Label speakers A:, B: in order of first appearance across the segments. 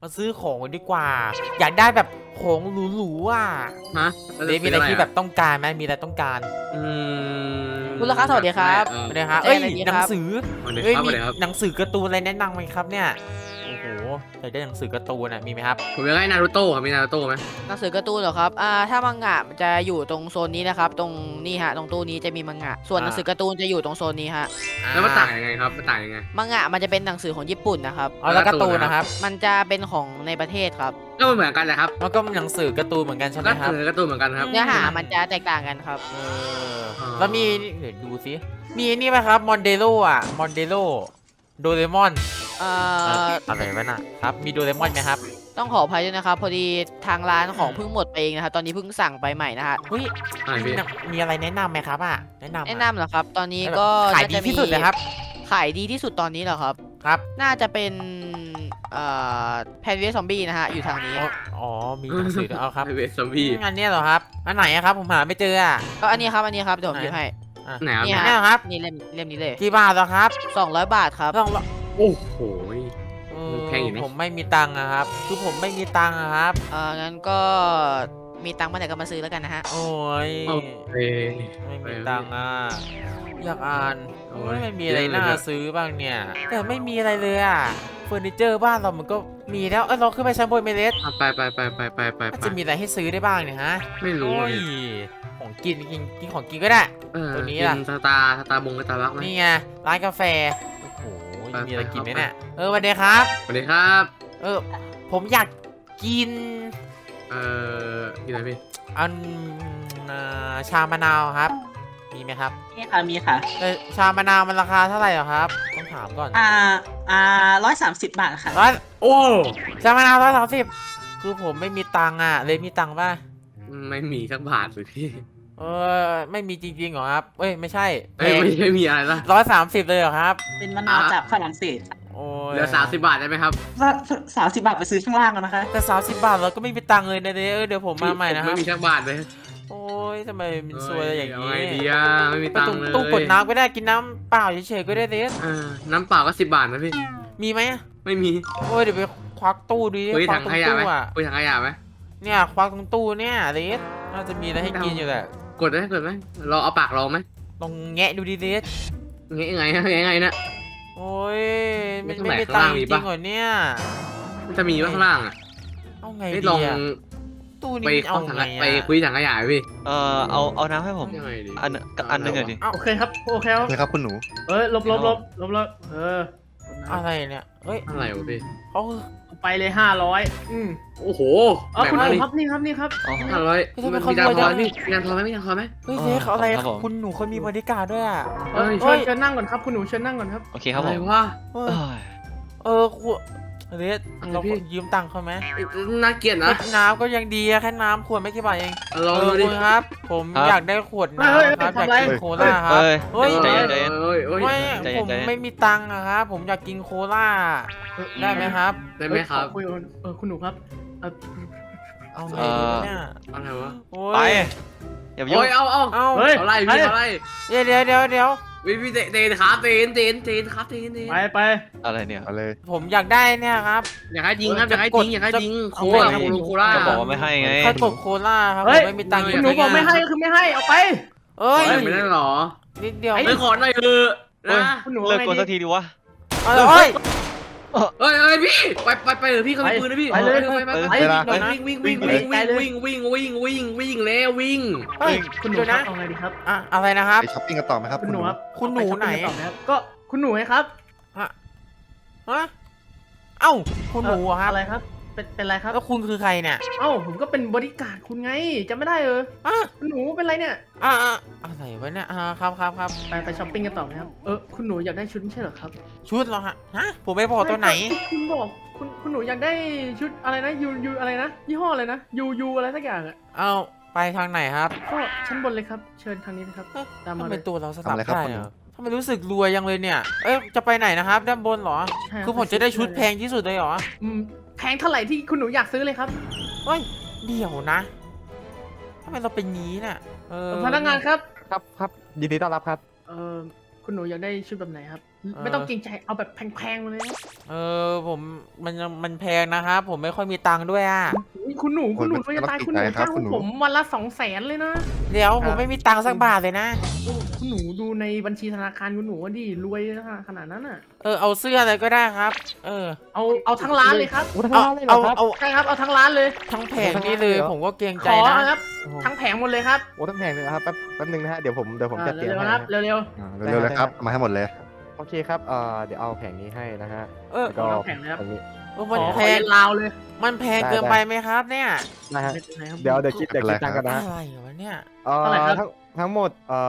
A: มาซื้อของดีกว่า อยากได้แบบของหรูๆอ่ะ
B: ฮะ
A: เดฟมีอะไรที่แบบต้องการไหมมีอะไรต้องการ
B: อืม
C: คุณลูกค้าสวัสดีครับ
A: ไม่ได้ครับ
C: จะ
A: เอ้ย
C: อะไรดี
A: หนั
C: ค
A: ง
C: รับ
A: สือ
B: สวัสดี
A: เอ้ย
B: ครับส
A: มี
B: วัสดีครับ
A: หนังสือการ์ตูนอะไรแนะนำไหมครับเนี่ยโอ้โหอยากได้หนังสือการ์ตูนอ่ะมีไหมครับ
B: ผมอยากได้นารูโต้ครับมีนารูโต้ไหม
C: หนังสือการ์ตูนเหรอครับถ้ามังงะมันจะอยู่ตรงโซนนี้นะครับตรงนี่ฮะตรงตู้นี้จะมีมังงะส่วนหนังสือการ์ตูนจะอยู่ตรงโซนนี้ฮะ
B: แล้วมันต่างยังไงครับมันต่างยังไง
C: มังงะมันจะเป็นหนังสือของญี่ปุ่นนะครับ
A: เอาแล้วการ์ตูนนะครับ
C: มันจะเป็นของในประเทศครับ
B: ก็มันเหมือนกันแหละครับ
A: มันก็หนังสือการ์ตูนเหมือนกันใช่ไหม
B: ก็
A: ครับ
B: เหมือนการ์ตูนเหมือนกันครับ
C: เนื้อหามันจะแตกต่างกันครับ
A: เออแล้วมีเดี๋ยวดูสิมีนี่ไหมครับมอนเดโลอ่ะมอนเดโลโดเรมอน อะไรวะน่ะครับมีโดเรมอนไหมครับ
C: ต้องขออภัยด้วยนะครับพอดีทางร้านของเพิ่งหมดไปเองนะครับตอนนี้เพิ่งสั่งไปใหม่นะฮะ
A: เฮ้ย
B: อะไรพี่
A: มีอะไรแนะนำไหมครับอ่ะแนะนำ
C: แนะนำเหรอครับ ตอนนี้ก็
A: ขายดีที่สุดเลยครับ
C: ขายดีที่สุดตอนนี้เหรอครับ
A: ครับ
C: น่าจะเป็นแพนเวสซอมบี้นะฮะอยู่ทางนี้
A: อ๋อมีหนังสือด้วยเอาครับ
B: เวสซอมบี้
A: อันเนี้ยเหรอครับอันไหนอะครับผมหาไม่เจออ่ะ
C: ก็อันนี้ครับเดี๋ยวผมหยิบให้
B: ไหนครับ
C: นี่
A: อัน
C: ฮะ
A: เนี้ยเหรอครับ
C: นี่เล่มนี้เลย
A: กี่บาทเหรอครับ
C: 200 บาทครับ
A: ต้อง
B: โอ้โห
A: เออ
B: แพงอยู่นะ
A: ผมไม่มีตังค์อะครับคือผมไม่มีตังค์อะครับ
C: งั้นก็มีตังค์เมื่อไหร่ก็มาซื้อแล้วกันนะฮะ
A: โอ้ย
B: โอเค
A: ไม่มีตังค์อ่ะอยากอ่าน
B: โอ้
A: โอ้
B: ย
A: ยไม่มีอะไร
B: เยอะเลย
A: น่า
B: เนี่ย
A: ซื้อบ้างเนี่ย แต่ไม่มีอะไรเลยอ่ะเฟอร์นิเจอร์บ้านเรามันก็มีแล้วเราขึ้นไปชั้นบนเมเลส
B: ไป
A: จะมีอะไรให้ซื้อได้บ้างเนี่ยฮะ
B: ไม่รู้
A: โอ้
B: อะ
A: ย
B: พี่
A: ของกินของกินก็ได้ ตัวนี้
B: กิ
A: ล่ะ
B: สตาร์บงสตาร์บัคไหม
A: นี่ไงร้านกาแฟโอ้โห
B: ไป
A: มีอะไรกินไหม
B: ไป
A: เนี่ยสวัสดีครับ
B: สวัสดีครับ
A: ผมอยากกิน
B: กินอะไรพี่
A: อันชามะนาวครับ มีไหมครับ
D: มีค่ะ
A: ชามะนาวมันราคาเท่าไหร่เหรอครับต้องถามก่อน
D: 130 บาทค่ะ
A: ร้อย
B: โอ้
A: ชามะนาว130คือผมไม่มีตังค์อ่ะเลยมีตังค์ป่ะ
B: ไม่มีสักบาทเลยพี่
A: ไม่มีจริงๆเหรอครับไม่ใช่
B: ไม่มีอะไรละ
A: 130เลยเหรอครับ
D: เป็นมะนาวจากฝรั่งเศสค่ะ
A: โอ้ย
B: เหลือ30 บาทได้ไหมครับ
D: 30 บาทไปซื้อข้างล่างกันนะคะ
A: แต่30 บาทเราก็ไม่มีตังค์เลยนะเดี๋ยวผมมาใหม่นะค
B: ไม่
A: รับ
B: มีสักบาทเลย
A: โอ้ยทำไมมันซวยอะไรอย่าง
B: นี้
A: นี้
B: ไงดีอ่ะไม่มี
A: ไป
B: ตัง
A: ตรง
B: ค์เลย
A: ตู้กดน้ำก็ได้กินน้ำเปล่าเฉยๆก็ได้เดส
B: น้ำเปล่าก็10 บาทนะพี่
A: มีไหม
B: ไม่มี
A: โอ้ยเดี๋ยวไปควักตู้ดูดิ
B: คุย
A: ควั
B: ถั
A: ก
B: ง
A: ตร
B: ข
A: ง
B: ยะ
A: ตู้
B: ไหม
A: อ่ะ
B: คุยถังขยะไหม
A: เนี่ยควักตรงตู้เนี่ยเดสน่าจะมีอะไรให้กินอยู่แหละ
B: กดได้กดไหมเราเอาปากลองไหม
A: ลองแงะดูดิเดส
B: ยังไงยังไงนะ
A: โอ้ย
B: ไม่
A: ไม่
B: ต้อง
A: ไม่
B: แบก
A: มีตัง
B: ข้าง
A: ค์
B: ล่างมีปะ
A: จริงเหรอเนี่ย
B: มันจะมีว่าข้างล่างอ่ะ
A: เอาไง
B: ไม่
A: ดี
B: ลอง
A: อะตู้นี้
B: ไป
A: มันเอา
B: เข้าถัง
A: ไง
B: ไป
A: อะ
B: คุยถังขยะพี่
E: เอาน้ำให้ผม
B: ยังไงดี
E: อันหนึงอะดิ
A: เอ้า
F: โอเคครับ โอเคครับ
E: เลยครับคุณหนู
F: ลบ
A: อะไรเนี่ยเฮ้ย
B: อะไรวะพี่
A: เขา
F: ไปเลย500
B: โอ้โห
F: คุณ
B: มา
F: หนู
B: ดิ
F: ครับนี่ครับนี่ครับ
E: อ๋อ
B: 500มีตังค์ทอนพี่มีตังค์ทอนไหมมีตังค์ทอนไหม
A: เฮ้ย
E: อ๋อ
A: เด็กเขาอะไร
E: ครับผม
A: คุณหนูเขามีบริการด้วยอ่ะ
B: เอ้ย
F: เชิญนั่งก่อนครับ คุณหนูเชิญนั่งก่อนครับ
E: โอเคครับ
B: อะ
E: ผ
B: ไร
E: ม
B: วะ
A: เอ
E: เอ้
A: อย คุณเด็ก
B: อะไร
A: เรา
B: พี่
A: ยืมตังค์เขาไหม
B: น่าเกลียดนะ
A: น้ำก็ยังดีอะแค่น้ำขวดไม่กี่บาทเอง
B: ลองดูดิ
A: คุณครับ ผมอยากได้ขวด
F: เฮ้ย
A: น้ำครับอยาก
F: ทำไร
A: กินโคล่าครับ
E: เฮ้ย
A: เฮ้ย
E: ใจเย็นใจเย็น
B: เอ้ยเอ้ย
A: ไม่
E: ใจเย็น
A: ผม
E: ใจเย็น
A: ไม่มีตังค์อะครับผมอยากกินโคล่าได้ไหมครับ
B: ได้ไหมครับ
F: คุยคุณหนูครับเอ่อ
A: เอาไงดีวะเนี่ย
B: อะไรวะ
A: โอ้
E: ไป
A: ย
E: อย่ามายุ่
B: โอ้
E: ง
B: ยเอา
A: เอ้า
F: เฮ้ย
B: อะไรพี่อะไร
A: เดี๋ยว
B: พี่เตนครับเตนครับเตน
F: ไป
E: อะไรเนี่ยเอาเลย
A: ผมอยากได้เนี่ยครับ
B: อยากให้ยิงครับอยากให้ยิงอยากให้ยิงโค
A: เอา
B: ล่า
A: ไง
B: โคล่า
E: ก็บอกว่าไม่ให้ไง
A: ข้าวตกโคล่าครับผ
F: เฮ้ย
A: มไม่มีตังค์
F: คุณหนูบอกไม่ให้คือไม่ให้ เอาไป
A: เอ้ย
B: ไม่ได้หรอ
A: นิดเดียว
B: ไม่ขอหน่อยเถอะนะ
F: คุณหนู
E: เลิก
F: ไง
E: กดสักทีดิวะ
A: เอาเลยเอ้ย
B: เอ้ยพี่ไปเถอะพี่เขามีปืนนะพี่ไปวิ่งแล้ววิ่ง
A: เฮ้ย
F: คุณหนู
A: เดี๋ยว
F: ครั
A: นะ
F: บเอาไงดีครับ
A: อะอะไรนะครับ
E: ไปช้อปปิ้งกันต่อไหมครับ
F: คุณหนูครับ
A: คุณหนูไหน
F: ปช้อปปิ้งกัต่อครับก็คุณหนูไงครับ
A: ฮะเอ้าคุณหนูอะครับ
F: อะไรครับ เป็นอะไรครับ
A: แล้วคุณคือใครเนี่ย
F: เอ้าผมก็เป็นบริการดคุณไงจำไม่ได้
A: อ่ะ
F: คุณหนูเป็นไรเนี่ย
A: อะไรวะเนี่ยครับ
F: ไปช้อปปิ้งกันต่อไหมครับคุณหนูอยากได้ชุดไม่ใช่เหรอครับ
A: ชุดเหรอฮะผมไม่บอกตัวไหน
F: คุณบอกคุณหนูอยากได้ชุดอะไรนะยูอะไรนะยี่ห้ออะไรนะยูอะไรสักอย่างอ่ะ
A: เอาไปทางไหนครับ
F: ก็ชั้นบนเลยครับ เชิญทางนี้นะครับตามมา
A: ทำ
F: เล
A: ไม
F: ย
A: ตัวเราสลับได้เหรอทำไมรู้สึกรวยยังเลยเนี่ย จะไปไหนนะครับ ด้านบนเหรอ
F: ใช่รับ
A: คือผมจะได้ชุดแพงที่สุดเลยเหรอ
F: แพงเท่าไหร่ที่คุณหนูอยากซื้อเลยครับ
A: เฮ้ยเดี๋ยวนะทำไมเราเป็นงี้น่ะ
F: พนักงานครับ
E: ครับยินดีต้อนรับครับ
F: คุณหนูอยากได้ชุดแบบไหนครับไม่ต้องเกรงใจเอาแบบแพงๆมาเลยนะ
A: ผมมันแพงนะครับ ผมไม่ค่อยมีตังค์ด้วยอ่ะ
F: อุ๊ยคุณหนูเราจะตายคุณหนูจ้างผมวันละ200,000เลยนะ
A: เดี๋ยวผมไม่มีตังค์สักบาทเลยนะ
F: คุณหนูดูในบัญชีธนาคารคุณหนูว่าดิรวยขนาดนั้นอ่ะ
A: เอาเสื้ออะไรก็ได้ครับ
F: เอาทั้งร้านเลยครับ
G: โอ้ทั้งร้านเลยเหรอครับ
F: ใช่ครับเอาทั้งร้านเลย
A: ทั้งแผงนี่เลย ผมก็เกรง
F: ข
A: ใจ
F: อ
A: นะ
F: ครับทั้งแผงหมดเลยครับ
G: โอ้ทั้งแพงเลยนะครับแป๊บนึงนะฮะเดี๋ยวผมจัดเตรียม
F: เร็ว
G: ให้
F: ๆครับ
G: นะ
F: เร็ว
E: เร็วๆเลยครับเอามาให้หมดเลย
G: โอเคครับเดี๋ยวเอาแผงนี้ให้นะฮะ
A: เออ
F: ๆเอาทั้งแผงเลยครับ
G: อันนี้
A: มัน
F: ขอ
A: แพง
F: ลาวเลย
A: มันแพงเกินไปไหมครับเนี่ย
G: นะฮะ
F: ไม่เป็นไรครับ
G: เดี๋ยวคิดตังค์กันนะ
A: อะ
G: ฮะ
A: ไรวะเนี่ย
F: เท่าไหร่ครับ
G: ทั้งหมด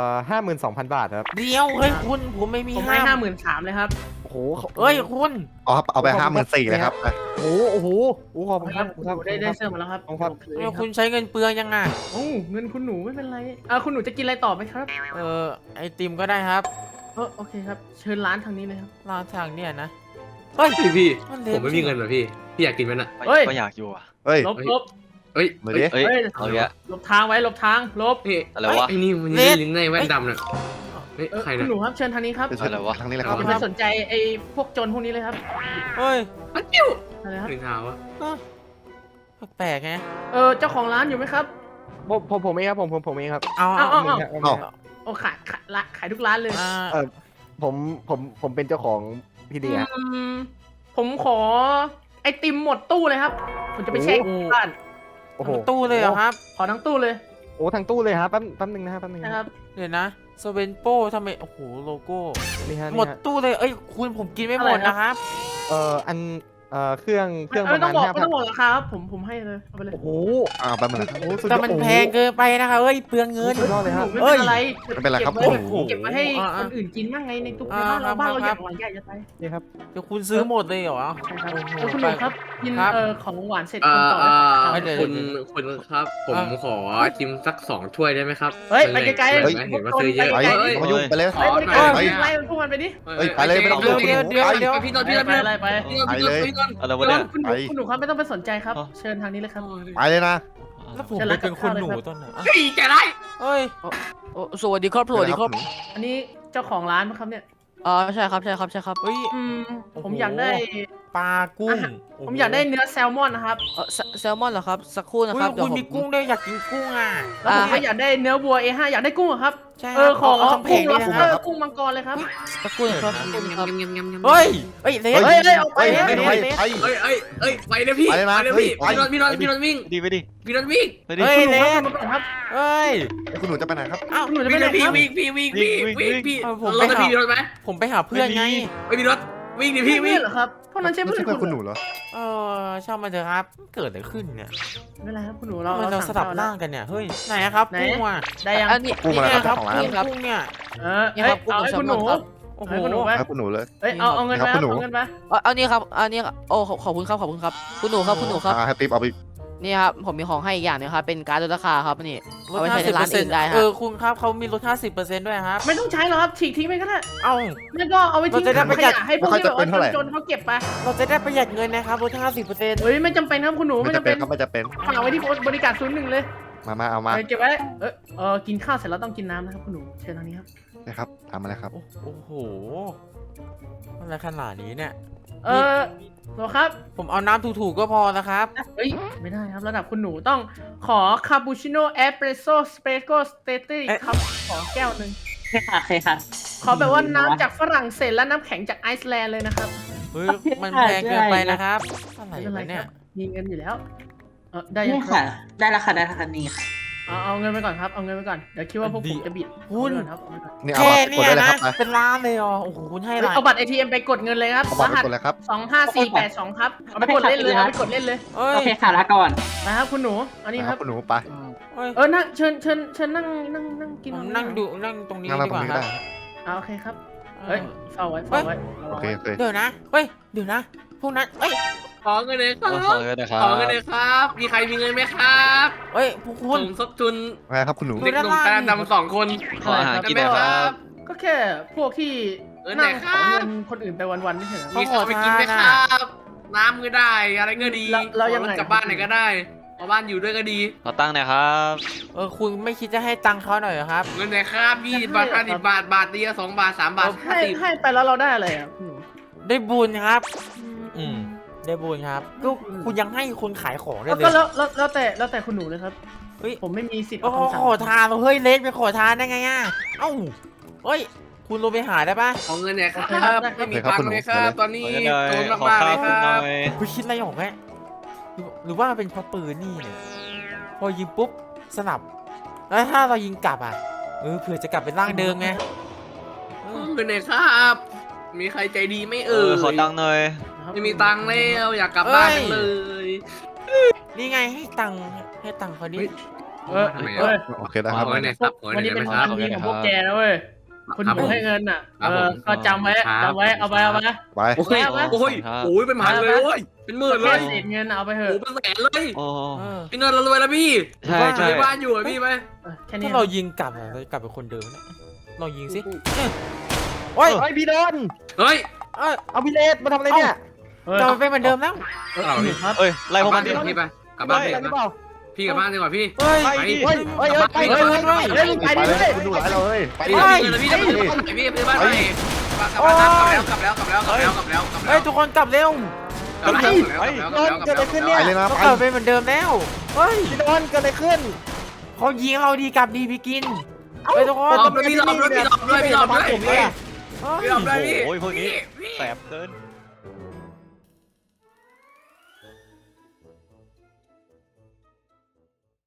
G: 52,000 บาทครับ
A: เดี๋ยวเฮ้ยคุณผมไม่มี
F: ผมให้53,000เลยครับ
G: โอ้โห
A: เอ้ยคุณ
E: อ๋อครับเอาไป54,000เลยครับ
G: โอ้โหขอบคุณครับ
F: ได้เสื้อมาแล้วครับ
G: ขอบคุณครับ
F: โอเค
A: เอ้ย
F: ค
A: คุ
F: รับ
A: ณใช้เงินเปลืองยังไง
F: โอ้เงินคุณหนูไม่เป็นไรคุณหนูจะกินอะไรต่อไหมครับ
A: ไอติมก็ได้ครับ
F: โอเคครับเชิญร้านทางนี้เลยครับ
A: ร้านทางเนี่ยนะเฮ้ย
B: พี่
A: มันเล็ก
B: ผมไม่มีเงินเหรอพี่อยากกินไหมน่ะ
F: เฮ้ย
E: ก็อยากอยู่อ่ะเฮ้ย
F: ลบ
B: เฮ้ย
E: มาดิ
B: เฮ้ย
E: เฮ้ย
B: เอาเยอะ
F: หลบทางไว้หลบทางหลบ
B: นี่
E: อะไรวะ
B: ไอ้นี่มันลิ้นในแว่นดำน่ะเฮ้ยใคร
F: คุ
B: น่ะ
F: ณหนูครับเชิญทางนี้ครับ
E: อะไรวะทางนี้เลยครับ
F: อย่าไปสนใจไอ้พวกโจรพวกนี้เลยครับ
A: เฮ้ย
B: อันจิ้ว
F: อะไรครับ
B: หนึ่งเท้าวะ
A: แปลกไง
F: เจ้าของร้านอยู่ไหมครับ
G: ผมเองครับผมเองครับ
A: เอา
F: เอา
G: เอา
F: ขายทุกร้านเลย
G: ผมเป็นเจ้าของที่นี่ฮะ
F: ผมขอไอติมหมดตู้เลยครับ ผมจะไปแช่ที่บ้าน
G: โอ้โห
A: ตู้เลยเหรอครับ
F: ขอทั้งตู้เลย
G: โอ้ทั้งตู้เลยครับแป๊บนึงนะฮะแป๊บนึง
F: นะครับ
A: เดี๋ยวนะสเวนโป้ทำไมโอ้โหโลโก้
G: นี่ฮะ
A: หมดตู้เลยเอ้ยคุณผมกินไม่หมดนะครับ
G: อันเครื่องประ
F: ไม่ต้
G: มา
F: อง
G: ณ
F: บอกไม่ต้องบอกราคาครับผมให้เลยเอาไปเลย
G: โอ้โห
E: แป๊บนึงนะครับ
A: แต่มันแพงเกินไปนะคะเอ้ยเปลืองเงิน
G: สุดยอดเลยครับ
F: ไม่เป็นไร
E: ไม่เป็นไรครับ
F: เก็บไว้
E: โอ้โห
F: เก็บไว้ให้คนอื่นกินบ้างไงในตู้ในบ้านเราบ้านเราอย่างหลังใหญ่จะไป
G: นี่ครับ
A: เดี๋ยวคุณซื้อหมดเลยเหรอ
F: ใช่ครับ
A: โอ้โห
F: คุณหนูครับกิน
A: ครับ
F: ของหวานเสร็จคนต่อเลยครับ
A: เดี๋ยว
B: คุณครับ ผมขอชิมสัก2 ถ้วยได้ไหมครับ
F: เฮ้ยไปไกลๆ
B: เห็นว่าซื้อเยอะ
E: ไป
B: เฮ้ย
E: มายุ่งไปเลย
F: ไปไกล
E: ไป
F: ๆไล่พวกมันไปดิ
E: เฮ้ยไปเลยไม่ต้อง
A: เดี๋ยว
B: พี่นนท์พี่นนท์
F: ไป
B: พี่นนท์
F: ไล่ไป
E: ไปเลย
B: พี่นนท์
E: อะไรวะเนี่ย
F: คุณหนูครับไม่ต้องไปสนใจครับ เชิญทางนี้เลยครับ
E: ไปเลยนะ
A: แล้วผมไปเป็นคนหนูตอนไหนอ่ะ
B: เฮ้ยแกไร
A: เฮ้ย
C: สวัสดีครับสวัสดีครับ
F: อันนี้เจ้าของร้านมั้งครับเนี่ย
C: ใช่ครับ
A: เฮ้ย
F: ผมอยากได้
A: ปลากุ้ง
F: ผมอยากได้เนื้อแซลมอนนะครับ
C: แซลมอนเหรอครับ สักครู่นะ
A: เฮ้
C: ค
A: ย
C: รับ เดี๋ย
A: คุ
C: ว
A: ณ
C: ผม
A: มีกุ้งด้วยอยากกินกุ้งอ่ะ
F: แล้วผมก็อยากได้เนื้อวัว A5 อยากได้กุ้งเหรอครับ
A: ใช่
F: ขอ
A: ทั้งแผ
F: กุ้
A: ง
F: ง
A: เลย
F: ล็อบ
A: นะ
F: ส
A: ค
F: เตอ
A: รับ
F: ร์กุ้งมังกรเลยครับ
C: สักครู่นะครับ
A: เฮ้ยเฮ้ยเลส
F: เฮ้ยเอาไป
E: ไป
F: เล
E: ไป
F: ย
E: ไป
B: ไปเลยพี่
E: ไปเลยนะ
B: ไปเลยพี่
E: เฮ้ย
B: พี่นนท์วิ่ง
E: ดีไปดิ
B: พี่นนท์วิ่ง
E: ไปดิ
A: เฮ้ยเลส
F: ครับ
A: เฮ้ย
E: คุณหนูจะไปไหนครับ
A: อ้าว
F: หนูจะ
B: วิ่
F: ไป
B: ง
F: ไหน
B: เลยพี่
F: ครับ
B: วิ่งพี่
A: ผม
B: ร
A: ไป
B: ถ
A: หา
B: พี่รถไหม
A: ผมไปหาเพื่อนไง
B: ไม่มีรถวิ่งดิพี่วิ่ง
F: เหรอครับพวกนั้นใช่
E: ไม่
F: เพื่อน
E: ใช่เพื่อนคุณหนูเหรอ
A: ช่างมาเถอะครับ เกิดอะไรขึ้นเนี่ย
F: ไม่เป็นไรครับคุณหนู
A: ทำไมเราสลับร่างกันเนี่ย เฮ้ย ไหนอะครับกุ้งอ่ะ
F: ได้ยัง
C: อันนี้
E: กุ้งอะไร
A: เนี่ย
E: ครับของร้าน
A: กุ้งกุ้งเนี่ย
F: เอาให้คุณหนู
A: โอ้โห
F: ให้คุณหนูไป
E: ครับคุณหนูเลย
F: เอาเงินไป
E: ครับคุณหนู
F: เอาเงินไป
C: เอานี่ครับอันนี้โอ้ขอบคุณครับคุณหนูครับ
E: ให้ติ๊บเอาไป
C: นี่ครับผมมีของให้อีกอย่างนึงครับเป็นการ์ดลดราคาครับนี่
A: ลด
C: เอาไว้ใช้ในร้านอื่นได้ฮะ
A: คุณครับเขามีลด 50%ด้วยครับ
F: ไม่ต้องใช้หรอกครับฉีกทิ้งไปก็ได้
A: เอ้า
F: ไม่ก็เอาไว้ทิ้ง
A: เราจะได้ประหยัด
F: ขยะให้พวกที่แบบว่าจนๆเขาเก็บไป
A: เราจะได้ประหยัดเงินนะครับลด 50%
F: เฮ้ยไม่จำเป็นครับคุณหนู
E: ไม่
F: ไม่
E: จะ
F: จำ
E: เป็
F: เป็น น
E: ครับไม่จะเป็น
F: ฝากไว้ที่บริการ01เลย
E: มาเอามา
F: เก็บไว้กินข้าวเสร็จแล้วต้องกินน้ำนะครับคุณหนูเชิญทางนี้ครับ
E: นะครับตามมาเลยครับ
A: โอ้โหอะไรขนาดนี้เนี่ย
F: หรอครับ
A: ผมเอาน้ำถูกๆก็พอนะครับ
F: เฮ้ยไม่ได้ครับระดับคุณหนูต้องขอคาปูชิโน่เอสเปรสโซ่สเปรโกสเตตี้ครับขอแก้วหนึ่ง
D: โอเคค่ะโอเคค่ะ
F: ขอแบบว่าน้ำจากฝรั่งเศสและน้ำแข็งจากไอซ์แลนด์เลยนะครับ
A: เฮ้ย มันแพงเกินไปนะครับ อะไร
F: ไม่เป็นไร
A: วะ
F: ค
A: เนี่
F: รั
A: ย
F: บมีเงินอยู่แล้วได้ยัง
D: นี่
F: ครั
D: ค่ะ
F: บ
D: ได้แล้วค่ะได้แล้วค่ะนี่ค่ะ
F: เอาเงินไปก่อนครับเอาเงินไปก่อนเดี๋ยวคิดว่าพวกผมจะบิด
A: คุณ
F: เอาเงินครับเอาเงินก่อน
E: นี่เอา
A: แค่
E: บัตรก
A: เนี่
E: ด
A: ย
E: ได้เลย
A: นะครับ
E: ไป
A: เป็นล้านเลยอ๋อโอ้โหคุณให้อะไร
F: เอาบัตร ATM ไปกดเงินเลยครับ
E: เอา
F: ร
E: บัตรไป
F: หัส
E: กดเลยครับ
F: 25482ครับเอาไปกดเล่นเลยเอาไปกดเล่นเลย
A: เอ้
D: โอย เคค่ะลาก่อน
F: นะครับคุณหนูอันนี้
E: นะ
F: ค
E: ค
F: รั
E: รับบ คุณหนูไป
A: เอ้ย
F: นั่งเชิญนั่งกิน
A: ผมนั่งดูนั่งตรงนี้
E: นั่งเรา
A: ดี
E: ต
A: ก
E: รง
A: ว่า
E: นี้
A: ค
E: ก็
A: รับ
E: ได้
F: โอเคครับเฮ้ยเฝ้าไว้
E: โอเคโอเค
A: เดี๋ยวนะ เฮ้ย เดี๋ยวนะ พวกนั้นเอ้ย
B: ขอเงินเลยครับ
E: ขอเงินนะครับ
B: ขอเงินเลยครับ มีใครมีเงินไหมครับ
A: เอ้ยพวกคุณ
B: สมทบทุน
E: ไงครับคุณหนู
A: ดู
B: เด็ก
A: ด้าน
B: หนุ่ม
A: ล่าง
B: ตาดำ2 คน
F: ขออาหารกิน
B: ได้ไหมครับ
F: ก็แค่พวกที่
B: ไหน
F: นั่ง
B: ค
F: ข
B: รั
F: อบ เงินคนอื่นไปวันๆไม่ใช่เหรอ
B: มีข้าวไปกินไหมครับ น้ำก็ได้ อะไรก็ดี
F: เรายังไง
B: ขอรถกลับบ้านไหนก็ได้เอาบ้านอยู่ด้วยก็ดี
H: ขอตั้งหน่อยครับ
A: คุณไม่คิดจะให้ตังค์เขาหน่อยเหรอครับ
B: เงินไหนครับ20 บาท50 บาทบาทเดียว2 บาท 3 บาท
F: ให้ไปแล้วเราได้อะไรอ่ะคุณหนู
A: ได้บุญครับ ได้บุญครับก็คุณยังให้คนขายของได้
F: แล้ว
A: เล
F: ก็
A: ย
F: แล้วแต่คุณหนูเลยครับ
A: เฮ้ย
F: ผมไม่มีสิทธิ์
A: โอ้
F: เอาคำสั่ง
A: ขอทานเฮ้ยเล็กไปขอทานได้ไงอ่ะเอ้าเฮ้ยคุณลงไปหาได้ปะ
B: ของเงินไหนครับ
F: โอเคครับ
B: ไม่มีตังค์เลยครับตอนนี้
H: ขอ
B: โจร
H: ขอ
B: มากๆ
H: ข้า
B: เล
H: วย
B: ค
H: คุณห
B: รั
H: น่
B: บ
H: อย
A: คุณคิดอะไรออกไหมหรือว่ามันเป็นเพราะปืนนี่เนี่ยพอยิงปุ๊บสนับแล้วถ้าเรายิงกลับอ่ะเผื่อจะกลับเป็นร่างเดิมไง
B: เงินไหนครับ มีใครใจดีไหม่เอ่ย
H: ขอตังค์หน่อย
B: ไม่มีตังค์แล้วอยากกลับบ้านจังเลย
A: นี่ไงให้ตังค์เขาดิ
B: ทำไม
F: เฮ้ย
E: โอเคได้ครับ
B: เอาไว้ไหนครับเอาไว้
F: วัน
B: ไหน
F: นี้เป็น
B: ค
F: วั
B: รับ
F: นดีของพวกแกนะเว้ยคุณหนูให้เงินอ่ะ
B: ครับผม
F: ก็จำไว้
B: ครับ
F: จำไว้เอาไป
E: ไป
B: โอ้ย
F: เอาไว้
B: โอ้ยโอ้ยเป็นพันเลยโอ้ยเป็นหมื่นเล
F: แค่
B: ย
F: เศษเงินเอาไปเถ
B: โอ้
F: อะ
B: เป็นแสนเลย
H: โอ้
A: เออ
B: พี่เงินเรารวยแล้วพี่
H: ใช่ใช่
B: มีบ้านอยู่อะพี่ไหม
F: แค่นี้
A: ถ้าเรายิงกลับอะเราจะกลับเป็นคนเดิมเนี่ยเรายิงสิโอ้ย
G: เฮ้ยพี่โดน
B: เฮ้ย
A: เอ้ย
G: เอาพี่เลสมาทำอะไรเนี่ย
A: เราเป็นเหมือนเดิมแล้ว
B: เอาพี่
F: ครับ
H: เอ้ยไล่พวก
B: กลั
H: มั
B: บ
H: นดิ
B: บ้านดีกว่าพี่ไปกลับบ้านดี
G: อะไร
B: ก
G: หรือเป
B: ว่า
G: ล่า
B: พี่กลับบ้านดีกว่าพี่
A: เฮ้ย
H: ไปดิ
G: เฮ้ยเฮ้ยเฮ้ยไปเลยไปเลยเฮ้ยไป
E: ไป
G: ดิ
E: เลย
G: เฮ้ย
E: คุณหนูหลายเราเฮ้ยไป
B: พี่
E: ดิ
B: พี่พี่พี่บ้านไปกลับแล้วกลับแล้วกลับแล้วกลับแล้วกลับแล้ว
A: เฮ้ยทุกคนกลับเร็ว
B: กลับแล้วกลับแล้วกลับแล้ว
E: ไปเลยนะ
A: เรา
E: ไป
A: กลับเป็นเหมือนเดิมแล้วเฮ้ย
G: พี่โดนเกิดอะไรขึ้น
A: เขายิงเราดีกลับดีพี่กินเฮ้ยทุกคน
B: พี่หลบด้วยพี่หลบด้วยพี่หลบด้วย
G: ผมเลยอะ
A: เฮ้ย
B: พี่หลบด้วยพี่
H: โอ้ยพวกนี้
B: พี่
H: แสบเกิน